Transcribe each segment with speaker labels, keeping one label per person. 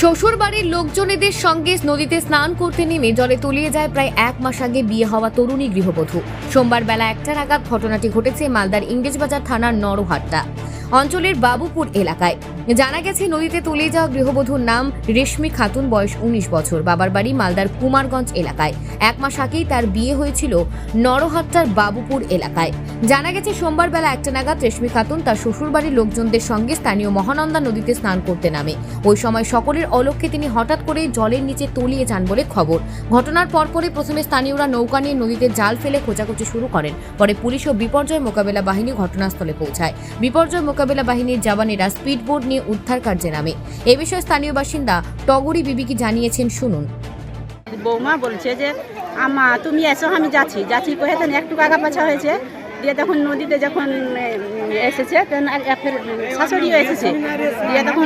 Speaker 1: শ্বশুর বাড়ির লোকজনেদের সঙ্গে নদীতে স্নান করতে নেমে জলে তলিয়ে যায় প্রায় 1 মাস আগে বিয়ে হওয়া তরুণী গৃহবধূ। সোমবার বেলা 1টা নাগাদ ঘটনাটি ঘটেছে মালদার ইংরেজবাজার থানার নরহাট্টা অঞ্চলের বাবুপুর এলাকায়। জানা গেছে, নদীতে তলিয়ে যাওয়া গৃহবধূর নাম রেশমি খাতুন, বয়স 19 বছর। বাবার বাড়ি মালদার কুমারগঞ্জ এলাকায়। 1 মাস আগেই তার বিয়ে হয়েছিল নরহাট্টার বাবুপুর এলাকায়। জানা গেছে, সোমবার বেলা 1টা নাগাদ রেশমি খাতুন তার শ্বশুরবাড়ির লোকজনদের সঙ্গে স্থানীয় মহানন্দা নদীতে স্নান করতে নামে। ওই সময় সকলের অলক্ষ্যে তিনি হঠাৎ করে জলের নিচে তলিয়ে যান বলে খবর। ঘটনার পরপরই প্রথমে স্থানীয়রা নৌকা নিয়ে নদীতে জাল ফেলে খোঁজাখুঁজি শুরু করেন। পরে পুলিশ ও বিপর্যয় মোকাবেলা বাহিনী ঘটনাস্থলে পৌঁছায়। বিপর্যয় মোকাবেলা বাহিনীর জওয়ানেরা স্পিডবোট নিয়ে উদ্ধার কার্যে নামে। এ বিষয়ে স্থানীয় বাসিন্দা টগরি বিবি কি জানিয়েছেন, শুনুন।
Speaker 2: বৌমা বলছে যে আমা তুমি এসো, আমি যাচ্ছি কহে তখন একটু আগা পাছা হয়েছে। দিয়ে তখন নদীতে যখন এসেছে তখন ফের শাশুড়িও এসেছে। দিয়ে তখন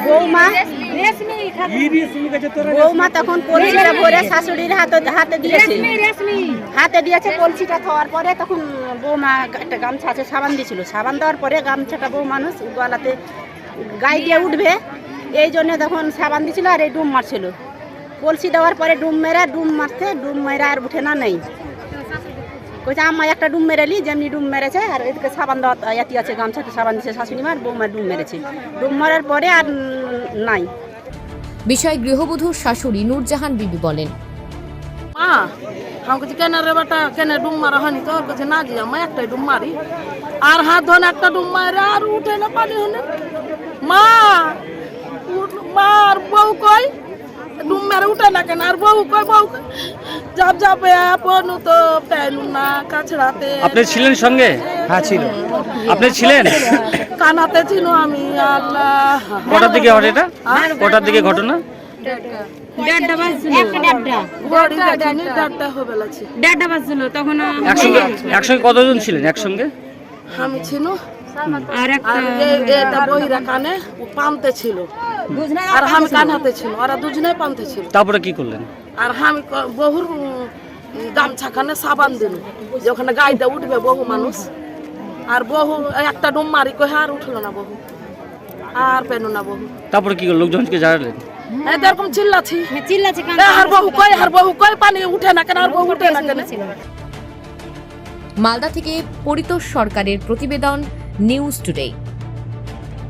Speaker 2: বৌমা তখন কলসিটা ভরে শাশুড়ির হাতে দিয়েছে। কলসিটা খাওয়ার পরে তখন বৌমা একটা গামছা আছে, সাবান দিয়েছিল। সাবান দেওয়ার পরে গামছাটা বউ মানুষ গলাতে গায়ে দিয়ে উঠবে, এই জন্য তখন সাবান দিয়েছিল আর এই ডুম মারছিল। কলসি দেওয়ার পরে ডুম মেরে আর উঠে না নেই। কইছে আম্মা একটা ডুম মেরেলি, যেমনি ডুম মেরেছে আর এদিকে সাবান দেওয়া এতি আছে, গামছাতে সাবান দিয়েছে শাশুড়ি মার, বৌমা ডুম মেরেছে। ডুম মারার পরে আর নাই।
Speaker 1: বিষয়ে গৃহবধূর শাশুড়ি নূরজাহান বিবি বলেন,
Speaker 3: আমাকে কেন রে বেটা, কেন ডুম মারা হয়নি? তো বলছে না জি আমি একটাই ডুম মারি, আর হাত ধরে একটা ডুম মারে আর উঠে না পানি হলে। মার বউ কই ডুম মেরে উঠে না কেন? আর বউ কই যাবে আপনু তো পেলু না কাছড়াতে।
Speaker 4: আপনি ছিলেন সঙ্গে?
Speaker 5: হ্যাঁ ছিল।
Speaker 4: আপনি ছিলেন?
Speaker 3: কানাতে ছিল আমি। আল্লাহ,
Speaker 4: কটার দিকে ঘটে এটা? কটার দিকে ঘটনা? একসঙ্গে কতজন ছিলেন একসঙ্গে?
Speaker 3: আমি ছিল আর বহিরা কানে পান্তে ছিল আর আমি কান হাতে ছিল, ওরা দুজনে পান্তে ছিল।
Speaker 4: তারপরে কি করলেন?
Speaker 3: আর আমি বহুর গামছা খানে সাবান দিল যে ওখানে গাইতে উঠবে বহু মানুষ। আর বহু একটা ডুম মারি কহে আর উঠলো না বহু, আর পেল না বহু।
Speaker 4: তারপরে কি করলেন? লোকজনকে জানালেন?
Speaker 3: এরকম চিল্লাছি আর বহু কই পানি উঠে না কেন, আর বহু উঠে না কেন।
Speaker 1: মালদা থেকে পরিতোষ সরকারের প্রতিবেদন, নিউজ টুডে।